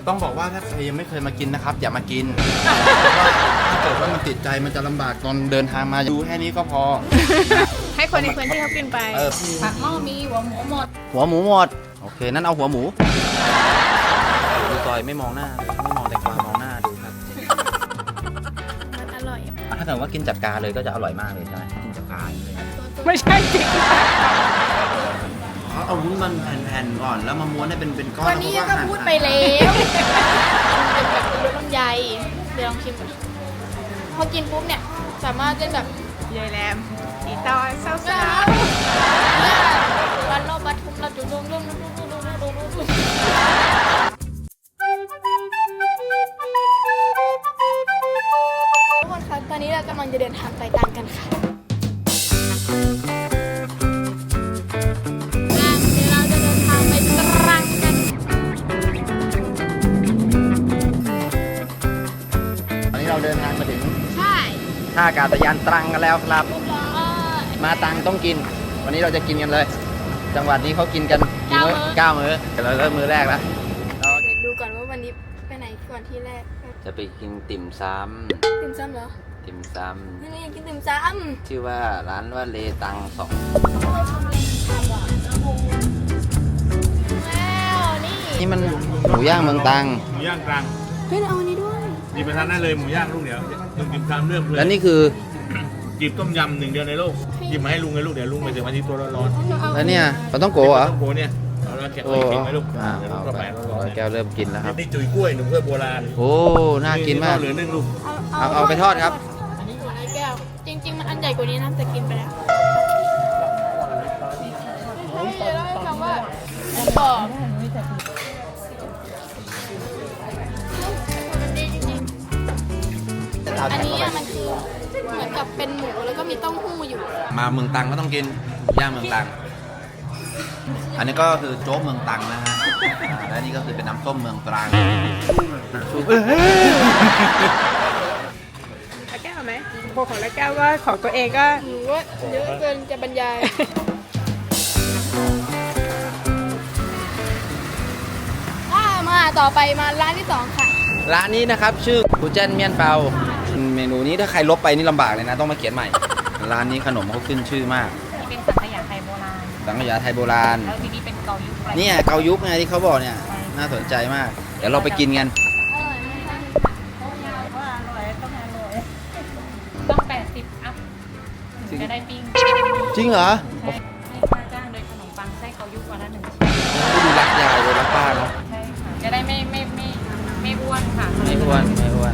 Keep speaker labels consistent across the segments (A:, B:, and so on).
A: ต้องบอกว่าถ้าใครยังไม่เคยมากินนะครับอย่ามากินถ้าเกิดว่ามันติดใจมันจะลำบากตอนเดินทางมาดูแค่นี้ก็พอ
B: ให้คนในพื้นที่เขากินไป
C: ผักหม้อมีหัวหมูหมด
A: หัวหมูหมดโอเคนั่นเอาหัวหมูดูซอยไม่มองหน้าไม่มองแต่ความมองหน้าดูครับ
B: มันอร่อย
A: ถ้าเกิดว่ากินจับกาเลยก็จะอร่อยมากเลยใช่ไหมกินจับกาเลย
B: ไม่ใช่จริง
A: เอาวุ้นมันแผ่นๆก่อนแล้วมาม้วนให้เป็นก้อน
B: วันนี้ก็พูดไปแล้วเป็นแบบรสลำไยเดี๋ยวลองชิมก่อนพอกินปุ๊บเนี่ยสามารถเป็นแบบ
C: ยายแรมอีตอนเศร้า
B: วันโลบัตทุมเราจุดดุมดุมดุมดุมดุมดุมดุมทุกคนคะตอนนี้เรากำลังจะเดินทางไปตามกันค่ะเดี๋ยวเราจะเดินทางไปตรังกัน
A: ตอนนี้เราเดินทางมาถึง
B: ใช่
A: ท่าอากาศยานตรังกันแล้วครับ
B: เรียบร้อย
A: มาตรังต้องกิน วันนี้เราจะกินกันเลย จังหวัดนี้เขากินกันกี่มื้อ 9 มื้อเดี๋ยวเราเริ่มมื้อแรกแล้ว
B: เดี๋ยวดูก่อนว่าวันนี้ไปไหนก่อนที่แรก
A: จะไปกินติ่มซ
B: ติ่มซำเหรอ
A: ำติ่มซ
B: นี่อยากกินติ่มซ
A: ำชื่อว่าร้านว่าเลตังสอง
B: ำแล้วนี่
A: นี่มันหมูย่างเมืองตรัง
D: หมูย่างกลาง
B: เฮ้ยเราเอาอันนี้ด้วย
D: หยิบไปทานได้เลยหมูย่างลูกเดียวลุงจิบตามเรื่องเลย
A: แล้วนี่คือ
D: หยิบต้มยำหนึ่งเดียวในโลกหยิบมาให้ลุงเลยลูกเดี๋ยวลุงไปถึงวันที่ตัวร้อน
A: แล้วเนี่ยปลาต้อง
D: ๆ
A: โกะเหรอ
D: ต้มโกเนี่ยเอาแล้วแกะ
A: โอ้
D: ไว้เก็บไว้ลูก
A: อ่า
D: เดี๋ยวลุ
A: เอา
D: งก็
A: ไป
D: แปะร้อน
A: แก้วเริ่มกินแล้วครับ
D: นี่จุ๋ยกล้วยหนุ่มเพื่อโบราณ
A: โอ้น่ากินมาก
D: เหลือนึ่งลูก
A: เอาไปทอดครับ
B: อันนี้หัวในแก้ว จริง ๆ มันอันใหญ่กว่านี้นะแต่กินไปแล้วใช่เล่าให้ฟังว่าบอกมันดีจริงๆอันนี้อะมันคือเหมือนกับเป็นหมูแล้วก็มีเต้าหู้อยู่
A: มาเมืองตรังก็ต้องกินย่างเมืองตรัง อันนี้ก็คือโจ๊กเมืองตรังนะฮะและนี่ก็คือเป็นน้ำส้มเมืองตรัง
C: แล้วแก้วไหมพวกของแล้วแก้วก็ของตัวเองก็
B: หนูว่าเยอะเกินจะบรรยายมาต่อไปมาร้านที่ 2 ค่ะ
A: ร้านนี้นะครับชื่อกูเจนเมียนเปาเมนูนี้ถ้าใครลบไปนี่ลำบากเลยนะต้องมาเขียนใหม่ ร้านนี้ขนมเขาขึ้นชื่อมาก
C: นี่เป็นสังขยาไทยโบราณ
A: สังขยาไทยโบราณ
C: แล้วทีนี้เป็นเกายุคอะไร
A: เนี่ยเกายุคไงที่เขาบอกเนี่ยน่าสนใจมาก เดี๋ยวเราไปกินกัน
C: ว่าอร่อยต้องอร่อยต้อง80อัพถึงจะได้ปิ้ง
A: จริงเหรอ
C: ใช่ให้ค่าจ้างโดยขนมปังไส้เกายุควันละ1 ชิ้น
A: ดูรักยายเลยรักป้าเนาะ
C: ใช่ค่ะจะได้ไม่อ้วนค่ะ
A: ไม่อ้วนไม่อ้วน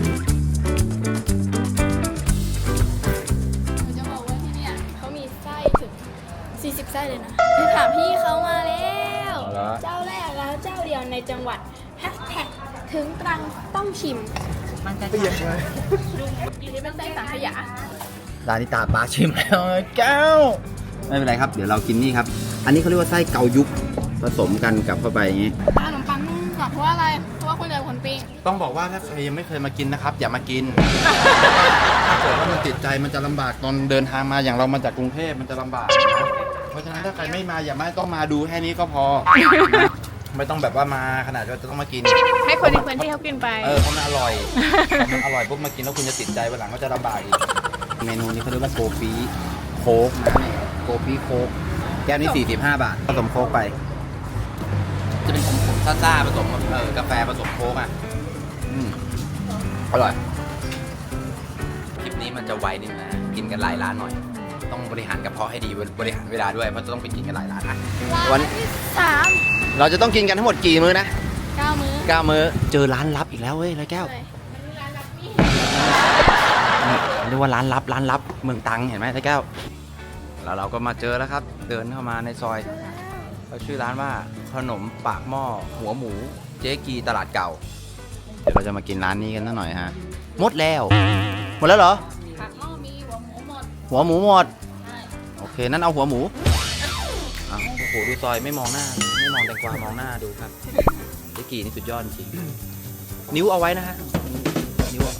B: หนูจะบอกว่าที่เนี่ยเขามีไส้ถึง 40 ไส้เลยนะไปถามพี่เขามาแล้ว เจ้าแรกแล้วเจ้าเดียวในจังหวัดแฮชแท็กถึงตรังต้องชิม
C: มันจะ
B: อยู่ที่เป็นไส้สังขยา
A: ร้านนี้ตาป้าชิมแล้วแก้วไม่เป็นไรครับเดี๋ยวเรากินนี่ครับ อันนี้เขาเรียกว่าไส้เกายุคผสมกันกับเข้าไปอย่างนี้
B: ขนมปังนุ่มกว่าเพราะว่าอะไร เพราะว่าคนเดียวคนปิ้ง
A: ต้องบอกว่าถ้าใครยังไม่เคยมากินนะครับ อย่ามากิน ถ้าเกิดว่ามันติดใจมันจะลำบากตอนเดินทางมาอย่างเรามาจากกรุงเทพมันจะลำบากนะเพราะฉะนั้นถ้าใครไม่มาอย่ามาต้องมาดูแค่นี้ก็พอ ไม่ต้องแบบว่ามาขนาดว่าจะต้องมากิน
B: ให้คนในพื้นที่เขากินไป
A: เพราะมันอร่อยมันอร่อยปุ๊บมากินแล้วคุณจะติดใจวันหลังก็จะลำบากอีกเมนูนี้เขาเรียกว่าโกปีโค้กนะโกปีโค้กแก้วนี้45 บาทผสมโค้กไป จะเป็นขมๆซ่าๆผสมกับกาแฟผสมโค้กอ่ะอร่อย คลิปนี้มันจะไวนิดนะกินกันหลายร้านหน่อย ต้องบริหารกระเพาะให้ดีบริหารเวลาด้วยเพราะจะต้องไปกินกันหลายร้านนะ
B: ร้านที่
A: เราจะต้องกินกันทั้งหมดกี่มื้อนะ
B: 3 9 มื้อ
A: 9 มื้อเจอร้านลับอีกแล้วเว้ยไรแก้ว
B: เลยร้านรับนี่
A: เรียกว่าร้านลับเมืองตรังเห็นไหมไรแก้วแล้วเราก็มาเจอแล้วครับ เดินเข้ามาในซอยเขาชื่อร้านว่าขนมปากหม้อหัวหมูเจ๊กีตลาดเก่า เดี๋ยวเราจะมากินร้านนี้กันสักหน่อยฮะหมดแล้วเหรอ
C: ผักหม้อมีหัวหมูหมด
A: หัวหมูหมดโอเคนั่นเอาหัวหมูอ้าวโอ้โหดูซอยไม่มองหน้าไม่มองแตงกวามองหน้าดูครับเจ๊กีนี่สุดยอดจริงนิ้วเอาไว้นะฮะนิ้วเอา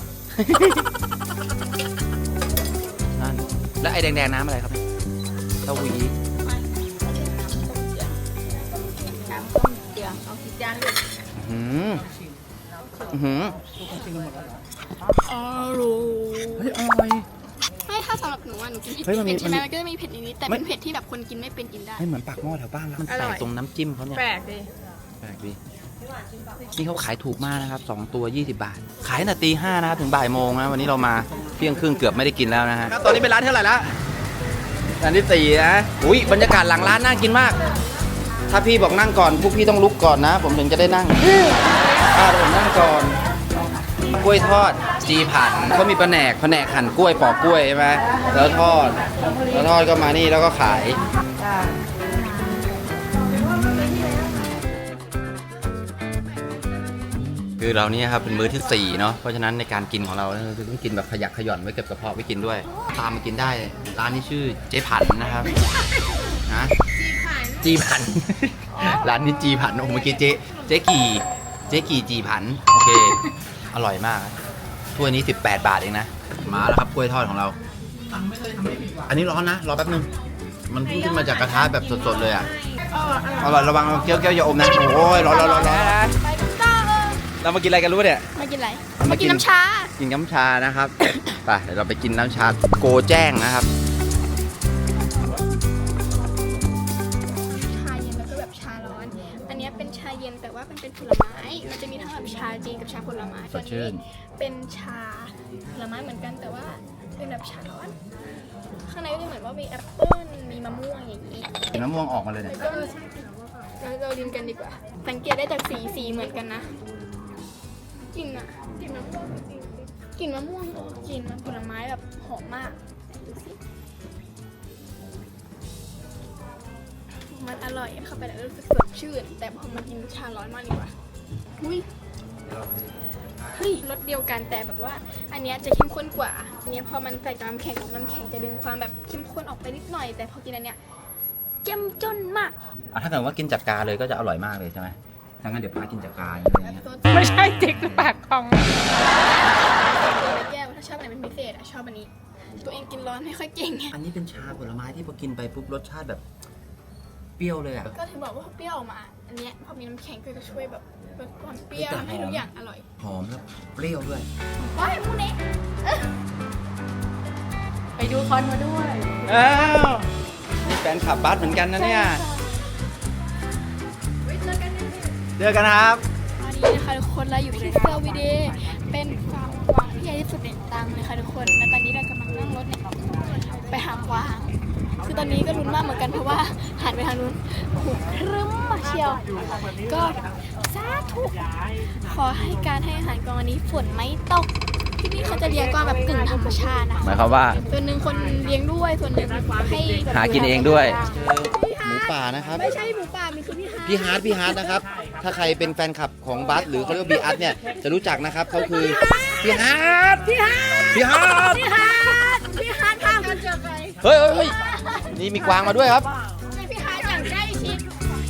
A: นั่นแล้วไอ้แดงๆน้ำอะไรครับเต้าหู้ยี้
B: น้ำต้มเดือดเอากี่จานลูก
A: อืมอืม
B: อร่อย
A: เฮ้ยอร่อย
B: ไม่ถ้าสำหรับหนูอะหนูกิน
A: เฮ้ยมัน
B: เผ็ด
A: มี
B: ใช่ไหม
A: มันมี
B: มันก็จะมีเผ็ดนิดๆแต่
A: ไม่
B: เป็นเผ็ดที่แบบคนกินไม่เป็นกินได้
A: ให้เหมือนปากหม้อแถวบ้านแล้วมันแปลกตรงน้ำจิ้มเขาเนี่ย
C: แปลกดิ
A: แปลกดีนี่เขาขายถูกมากนะครับ2ตัว20 บาท ขายตั้งแต่ตี 5นะครับถึงบ่ายโมงนะวันนี้เรามาเที่ยงครึ่งเกือบไม่ได้กินแล้วนะฮะตอนนี้เป็นร้านเท่าไหร่ละร้านที่4นะอุ้ยบรรยากาศหลังร้านน่ากินมาก ถ้าพี่บอกนั่งก่อนพวกพี่ต้องลุกก่อนนะ ผมถึงจะได้นั่งผมนั่งก่อนกล้วยทอดจีผันเขามีแผนกหั่นกล้วยปอกกล้วยใช่ไหมแล้วทอดก็มานี่แล้วก็ขายคือเรานี่ครับเป็นมื้อที่4เนาะเพราะฉะนั้นในการกินของเราต้องกินแบบขยักขย่อนไว้เก็บกระเพาะไว้กินด้วยตามมากินได้ร้านนี้ชื่อเจ๊ผันนะครับนะจีผัน ร้านนี้จีผันโอ้เมื่อกี้เจ๊กี่จีผันโอเคอร่อยมากถ้วยนี้18 บาทเองนะมาแล้วครับกล้วยทอดของเราอันนี้ร้อนนะรอแป๊บนึงมันเพิ่งขึ้นมาจากกระทะแบบสดๆเลยอ่ะอร่อยระวังเกี้ยวอย่าอมนะโอ้ยร้อน
B: ไปกันต่อ
A: เรามากินอะไรกันรู้เนี่ย
B: มากินอะไรมากินน้ำชา
A: กินน้ำชานะครับ ไปเดี๋ยวเราไปกินน้ำชาโกแจ้งนะครับ
B: ชาเย็นแล้วก็แบบชาร้อน อันเนี้ยเป็นชาเย็นแต่ว่าเป็นผลไม้ มันจะมีทั้งแบบชาจีนกับชาผลไม้
A: สดชื่น
B: เป็นชาผลไม้เหมือนกันแต่ว่าเป็นแบบชาร้อน ข้างในก็จะเหมือนว่ามีแอปเปิ้ล มีมะม่วงอย่างนี้
A: กินมะม่วงออกมาเลยเนี่ย
B: ก็เราลินกันดีกว่า สังเกตได้จากสีเหมือนกันนะกลิ่นอะกลิ่นมะม่วงกลิ่นมะม่วงกลิ่นผลไม้แบบหอมมากดูสิมันอร่อยเข้าไปแล้วรู้สึกสดชื่น แต่พอมากินชาร้อนมากดีกว่าอุ้ยเฮ้ยรสเดียวกันแต่แบบว่า อันเนี้ยจะเข้มข้นกว่า อันเนี้ยพอมันใส่กับน้ำแข็งจะดึงความแบบเข้มข้นออกไปนิดหน่อย แต่พอกินอันเนี้ยเจ้มจนมาก
A: ถ้าเกิดว่ากินจากกาเลยก็จะอร่อยมากเลยใช่ไหมถ้างั้นเดี๋ยวพากินจากกาอะไรเงี้ย
C: ไม่ใช่จิกปากของ
B: แก้วถ้าชอบอะไรเป็นพิเศษอะชอบอันนี้ ตัวเองกินร้อนไม่ค่อยเก่งไง
A: อันนี้เป็นชาผลไม้ที่พอกินไปปุ๊บรสชาติแบบเปรี้ยวเลยอ่ะ
B: ก็ถึงบอกว่าเปรี้ยวออกมา อันเนี้ยพอมีน้ำแข็งก็จะช่วยแบบลดความเปรี้ยวทำให้ทุกอย่างอร่อย
A: หอมแล้วเปรี้ยวด้วย
B: ว้ายมูเนะ
C: ไปดูคอนมาด้วย
A: อ้าวนี่แฟนขับบัสเหมือนกันนะเนี่ยเจอกันนะครับ
B: ตอนนี้นะคะทุกคนเราอยู่ที่เซอร์วิเดย์เป็นฟาร์มกวางที่ใหญ่ที่สุดในตังเลยค่ะทุกคน และตอนนี้เรากำลังนั่งรถเนี่ยไปหากวาง คือตอนนี้ก็ลุ้นมากเหมือนกันเพราะว่าหันไปทางนู้นหูครึ้มมาเชียว ก็สาธุขอให้การให้อาหารกวางวันนี้ฝนไม่ตก ที่นี่เขาจะเลี้ยงกวางแบบกึ่งธรรมชาตินะคะ
A: หมายความว่า
B: ส่วนหนึ่งคนเลี้ยงด้วย ส่วนหนึ่งให้แบบ
A: หากินเองด้วย หมูป่านะครับ
B: ไม่ใช่หมูป่ามันคือพี่ฮาร์ท
A: พี่ฮาร์ดนะครับ ถ้าใครเป็นแฟนคลับของบัสหรือเขาเรียกว่าบีอาร์ตเนี่ยจะรู้จักนะครับเขาคือพี่ฮาร์ดพี่ฮาร์ด
B: พี่ฮาร์ทพากันเจอใคร
A: เฮ้ยนี่มีกวางมาด้วยครับ
B: เป็นพี่ฮาร์ทอย่างใกล้ชิด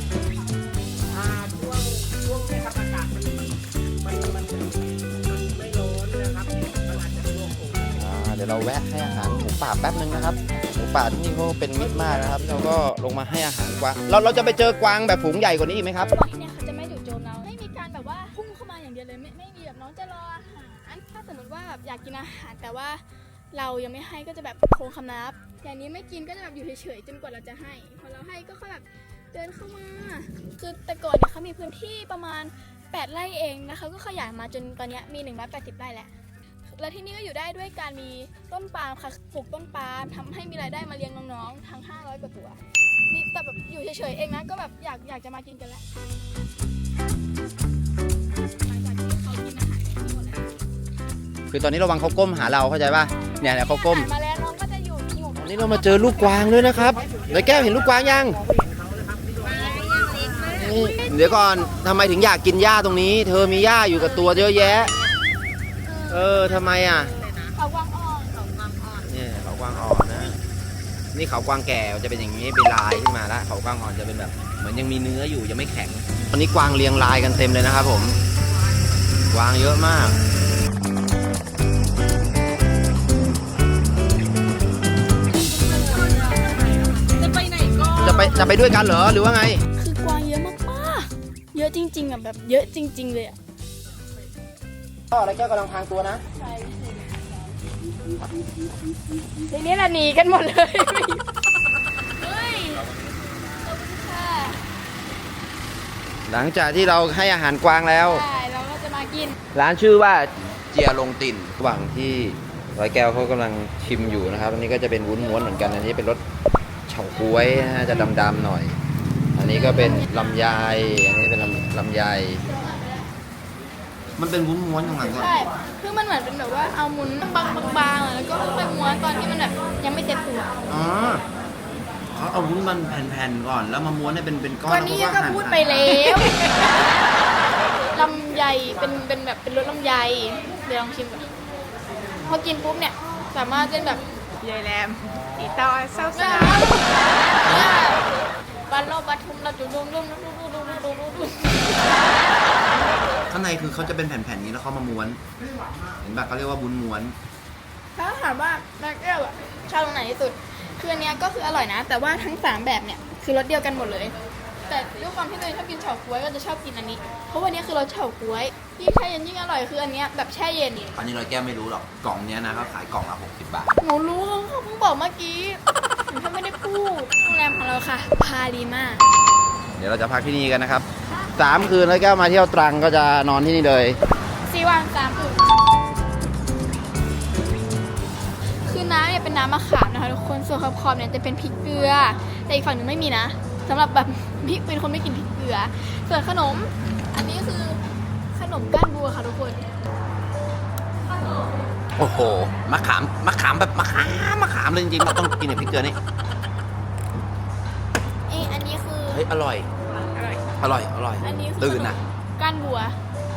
A: เดี๋ยวเราแวะให้อาหารหมูป่าแป๊บนึงนะครับหมูป่าที่นี่เขาเป็นมิตรมากนะครับเราก็ลงมาให้อาหารกวางเราจะไปเจอกวางแบบฝูงใหญ่กว่านี้อีกไหมครับ
B: กวางที่เนี่ยเขาจะไม่จู่โจมเรา ไม่มีการแบบว่าพุ่งเข้ามาอย่างเดียวเลย ไม่มีแบบน้องจะรออาหาร ถ้าสมมติว่าแบบอยากกินอาหารแต่ว่าเรายังไม่ให้ก็จะแบบโค้งคำนับ อย่างนี้ไม่กินก็จะแบบอยู่เฉยๆจนกว่าเราจะให้ พอเราให้ก็ค่อยแบบเดินเข้ามา คือแต่ก่อนเนี่ยเขามีพื้นที่ประมาณ8 ไร่เองนะคะก็ขยายมาจนตอนเนี้ยมี180 ไร่แล้ว และที่นี่ก็อยู่ได้ด้วยการมีต้นปาล์มค่ะปลูกต้นปาล์มทำให้มีรายได้มาเลี้ยงน้องๆทั้ง500 กว่าตัวนี่แต่แบบอยู่เฉยๆเองนะก็แบบอยากจะมากินกันแล้วหลังจากที่เขากินอาหารกันหมดแล้ว
A: คือตอนนี้ระวังเขาก้มหาเราเข้าใจป่ะเนี่ยเขาก้ม
B: มาแล้วน้องก็จะอยู่หมู่
A: วันนี้เรามาเจอลูกกวางด้วยนะครับเลยแก้วเห็นลูกกวางยังนี่เดี๋ยวก่อนทำไมถึงอยากกินหญ้าตรงนี้ เธอมีหญ้าอยู่กับตัวเยอะแยะทำไมอ่ะ
B: เขากวางอ่อน
A: เนี่ยเขากวางอ่อนนะนี่เขากวางแก่จะเป็นอย่างนี้เป็นลายขึ้นมาแล้วเขากวางอ่อนจะเป็นแบบเหมือนยังมีเนื้ออยู่ยังไม่แข็งตอนนี้กวางเรียงรายกันเต็มเลยนะครับผมกวางเยอะมากจะไปด้วยกันเหรอหรือว่าไง
B: คือกวางเยอะมากๆเยอะจริงๆอ่ะแบบเยอะจริง ๆ เลยอ่ะ
A: ก็อะไรแก้วกำลังพางตัวนะ
B: ใช่ทีนี้ละหนีกันหมดเลยเฮ้ยขอบคุณค่ะ
A: หลังจากที่เราให้อาหารกวางแล้ว
B: ใช่เราก็จะมากิน
A: ร้านชื่อว่าเจียลงติ่นระหว่างที่ร้อยแก้วเขากำลังชิมอยู่นะครับ อันนี้ก็จะเป็นวุ้นม้วนเหมือนกัน อันนี้เป็นรสเฉาก๊วยนะฮะจะดำๆหน่อย อันนี้ก็เป็นลำไย อันนี้เป็นลำไย มันเป็นวุ้นม้วนอย่างไรก็
B: ใช่ คือมันเหมือนเป็นแบบว่าเอาหมุนบางๆแล้วก็ค่อยม้วนตอนที่มันแบบยังไม่เต็มตัว
A: อ๋อเขาเอาวุ้นมันแผ่นๆก่อน แล้วมาม้วนให้เป็นก้อน
B: วันนี้ก็พูดไปแล้วลำไยเป็นแบบเป็นรสลำไย เดี๋ยวลองชิมก่อนพอกินปุ๊บเนี่ยสามารถเป็นแบบ
C: ยายแรมอีตอเศร้า
B: บันโลบัตทุมเราจุดดุมดุมดุมดุมดุมดุมดุมดุม
A: ข้างในคือเขาจะเป็นแผ่นๆนี้แล้วเขามาม้วน เห็นปะเขาเรียกว่าวุ้นม้วน
B: ถ้าถามว่าแม็กเอลอะชอบตรงไหนที่สุด คืออันเนี้ยก็คืออร่อยนะ แต่ว่าทั้ง3แบบเนี่ยคือรสเดียวกันหมดเลย แต่ด้วยความที่ตัวเองชอบกินเฉาก๊วยก็จะชอบกินอันนี้ เพราะวันนี้คือรสเฉาก๊วยยิ่งแช่เย็นยิ่งอร่อยคืออันเนี้ยแบบแช่เย็น
A: อันนี้ร้อยแก้วไม่รู้หรอก กล่องเนี้ยนะเขาขายกล่องละ60 บาท
B: หนูรู้เขาเพิ่งบอกเมื่อกี้หนูแค่ไม่ได้พูดโรงแรมของเราค่ะ พาดีมาก
A: เดี๋ยวเราจะพักที่นี่กันนะครับ3 คืนร้อยแก้วมาเที่ยวตรังก็จะนอนที่นี่เลย
B: 4 วัน 3 คืนคือน้ำเนี่ยเป็นน้ำมะขามนะคะทุกคน ส่วนขอบๆเนี่ยจะเป็นพริกเกลือ แต่อีกฝั่งหนึ่งไม่มีนะสำหรับแบบพี่เป็นคนไม่กินพริกเกลือ ส่วนขนม อันนี้คือขนมก้านบัวค่ะทุกคน
A: โอ้โห มะขามแบบมะขามเลยจริงๆมันต้องกินกับพริกเกลือนี่
B: อันนี้คือ
A: เฮ้ย อร่อย อร่อย
B: อันนี้คือ
A: ตื่นนะ
B: ก้านบัว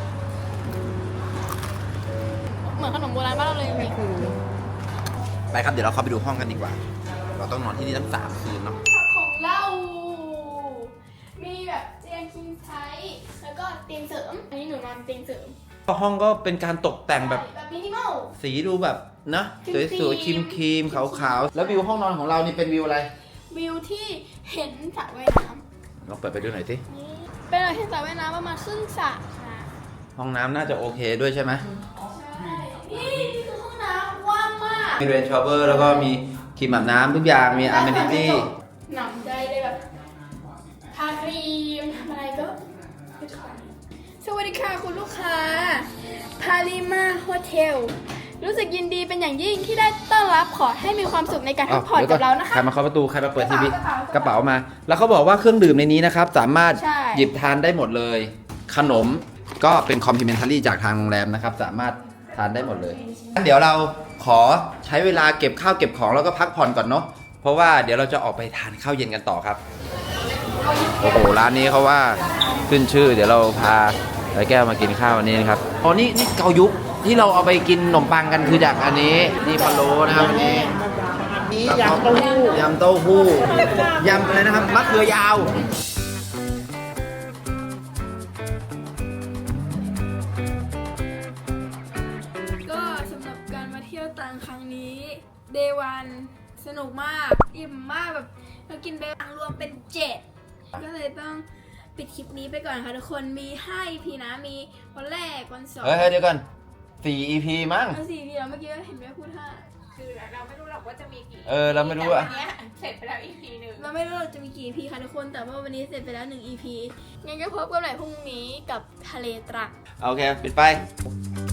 B: เหมือนขนมโบราณบ้านเราเลยจริง
A: ไปครับ เดี๋ยวเราเข้าไปดูห้องกันดีกว่า เราต้องนอนที่นี่ตั้ง3 คืนเนาะ
B: ของเรา มีแบบเตียงคิงไซส์แล้วก็เตียงเสริม อันนี้หนูนอนเตียงเสริม
A: ห้องก็เป็นการตกแต่งแบบ
B: แบบมินิมอล
A: สีดูแบบนะสวยๆครีมๆขาวๆแล้ววิวห้องนอนของเรานี่เป็นวิวอะไร
B: วิวที่เห็นสระว่ายน้
A: ลองเปิดไปดูหน่อยสิ
B: ำนี่เป็นอะไรที่สระว่ายน้ำประมาณครึ่งสระค่ะ
A: ห้องน้ำน่าจะโอเคด้วยใช่ไหม
B: ใช่ นี่คือห้องน้ำกว้างมาก
A: มีเรนชอเวอร์แล้วก็มีครีมอาบน้ำทุกอย่างมีอาร์เมนิตี้
B: หนำใจเลยแบบทาครีมทำอะไรก็สวัสดีค่ะคุณลูกค้า พาลิมาโฮเทล รู้สึกยินดีเป็นอย่างยิ่งที่ได้ต้อนรับขอให้มีความสุขในการพักผ่อนกับเรานะคะ
A: ใครมาเคาะประตูใครมาเปิดทีวี
B: กระเป๋าก
A: ระเป๋ามา แล้วเขาบอกว่าเครื่องดื่มในนี้นะครับ สามารถ
B: ใช่
A: หยิบทานได้หมดเลย ขนมก็เป็นคอมพลีเมนทารี่จากทางโรงแรมนะครับ สามารถทานได้หมดเลยงั้นเดี๋ยวเราขอใช้เวลาเก็บข้าวเก็บของแล้วก็พักผ่อนก่อนเนาะเพราะว่าเดี๋ยวเราจะออกไปทานข้าวเย็นกันต่อครับโอ้โหร้านนี้เขาว่าขึ้นชื่อ เดี๋ยวเราพาร้อยแก้วมากินข้าวอันนี้นะครับอ๋อนี่เกายุกที่เราเอาไปกินขนมปังกันคือจากอันนี้นี่พะโล้นะครับอันนี้ยำเต้าหู้ยำอะไรนะครับมะเขือยาว
B: ก็สำหรับการมาเที่ยวตรังครั้งนี้ Day 1 สนุกมาก อิ่มมากแบบเรากินไปรวมเป็น 7 ก็เลยต้องปิดคลิปนี้ไปก่อนค่ะทุกคนมี5 EP นะมีวันแรกวัน2
A: เฮ้ยเดี๋ยวก่อน4 EP มั้ง
B: วัน4 EP แล้วเมื่อกี้เห็นแม่พูด5
C: คือเราไม่รู้หรอกว่าจะมีกี่
A: เราไม่รู้อะ
C: แต่วันเนี้ยเสร็จไปแล้วอีกทีหนึ่ง
B: เราไม่รู้เราจะมีกี่ EP ค่ะทุกคนแต่ว่าวันนี้เสร็จไปแล้ว1 EP งั้นก็พบกันใหม่พรุ่งนี้กับทะเลตรัง
A: โอเค ปิดไป